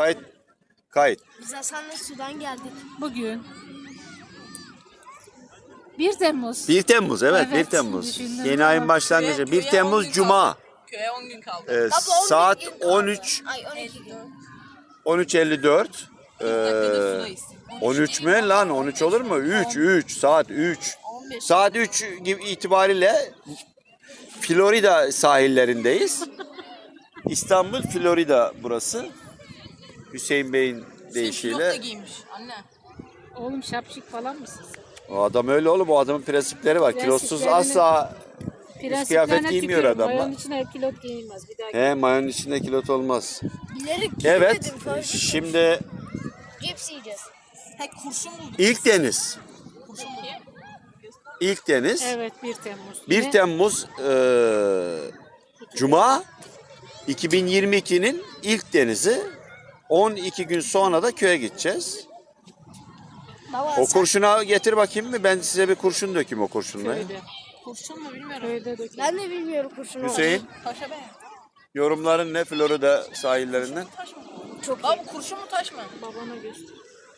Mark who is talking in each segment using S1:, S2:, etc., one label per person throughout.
S1: Kayıt.
S2: Biz Hasan'la sudan geldik.
S3: Bugün 1 Temmuz.
S1: 1 Temmuz evet,
S3: Evet,
S1: 1 Temmuz.
S3: düşündüm
S1: Yeni
S3: ama
S1: ayın başlangıcı. 1 Temmuz Cuma.
S4: Köye 10 gün kaldı.
S2: Baba, 11
S1: Saat
S2: gün kaldı.
S1: 13
S2: Ay 12 gün.
S1: 13.54.
S4: Dakikada sudayız.
S1: 13 mü lan? 13 olur mu? 3 saat 3. Saat 3 gibi itibariyle Florida sahillerindeyiz. İstanbul, Florida burası. Hüseyin Bey'in
S4: Kilot da
S1: deyişiyle.
S4: giymiş anne.
S3: Oğlum şapşik falan mısın sen?
S1: O adam öyle oğlum. O adamın prensipleri var. Kilosuz
S3: Prensiplerini-
S1: asla kıyafet
S3: Prensiplerine
S1: giymiyor
S3: tükürüm.
S1: adamlar.
S3: Mayonun içine kilot giyilmez. Bir daha
S1: He, mayonun içinde kilot olmaz.
S2: Bilerek
S1: Evet.
S2: gitmedim, fark etmedim.
S1: Şimdi
S2: Cips yiyeceğiz.
S4: He kurşun bulduk.
S1: ilk deniz.
S4: Kurşun bulduk.
S1: İlk deniz.
S3: Evet 1 Temmuz.
S1: 1
S3: Yine
S1: Temmuz Cuma 2022'nin ilk denizi. 12 gün sonra da köye gideceğiz.
S2: Baba
S1: O
S2: sen
S1: kurşuna getir bakayım mı? Ben size bir kurşun dökeyim o kurşunla.
S3: köyde.
S4: Kurşun mu bilmiyorum.
S3: Köyde döküyor.
S2: ben de bilmiyorum kurşunu.
S1: Hüseyin,
S4: Taşa be.
S1: yorumların ne Florida sahillerinden?
S4: Taş mı?
S2: Çok iyi.
S4: Baba kurşun mu taş mı?
S3: Babana göster.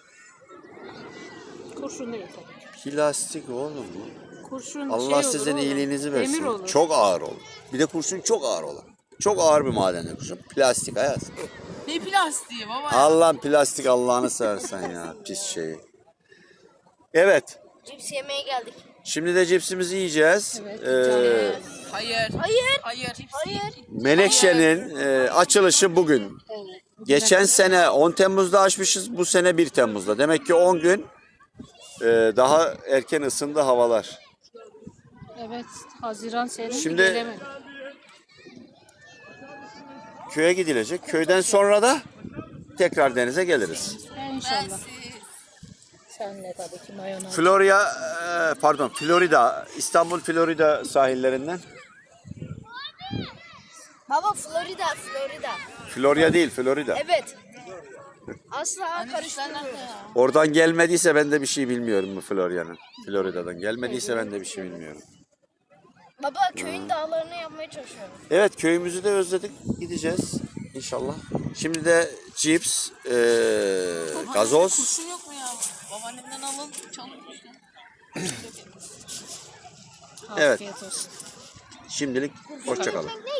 S3: Kurşun değil tabii ki.
S1: Plastik oğlum bu.
S3: Kurşun
S1: Allah
S3: şey
S1: sizin
S3: olur,
S1: iyiliğinizi
S3: Demir
S1: versin.
S3: olur.
S1: Çok ağır olur. Bir de kurşun çok ağır olur. Çok ağır bir maden kurşun. Plastik hayat.
S4: Ne plastiği baba?
S1: Allah'ın plastik Allah'ını seversen ya. Pis şeyi. Evet.
S2: Cips yemeye geldik.
S1: Şimdi de cipsimizi yiyeceğiz.
S4: Hayır.
S2: Hayır.
S4: Hayır.
S2: Hayır.
S1: Menekşe'nin açılışı bugün. Geçen sene 10 Temmuz'da açmışız. Bu sene 1 Temmuz'da. Demek ki 10 gün daha erken ısındı havalar.
S3: Evet. Haziran senin
S1: Şimdi-
S3: gelemedi.
S1: Köye gidilecek. Köyden sonra da tekrar denize geliriz.
S3: İnşallah. Senle tabii ki mayonez.
S1: Florida, İstanbul, Florida sahillerinden.
S2: Baba Florida.
S1: Florya değil, Florida.
S2: Evet. Asla
S4: Anne işler
S2: karıştırmıyoruz.
S4: nerede ya?
S1: Oradan gelmediyse ben de bir şey bilmiyorum bu Florya'nın. Florida'dan gelmediyse ben de bir şey bilmiyorum.
S2: Baba köyün dağlarını yapmaya çalışıyorum.
S1: Evet, köyümüzü de özledik. Gideceğiz inşallah. Şimdi de cips, gazoz.
S4: Kurşun yok mu ya? Babaannemden alın. Çalın kurşun.
S1: Evet.
S3: Afiyet olsun.
S1: Şimdilik hoşça kalın.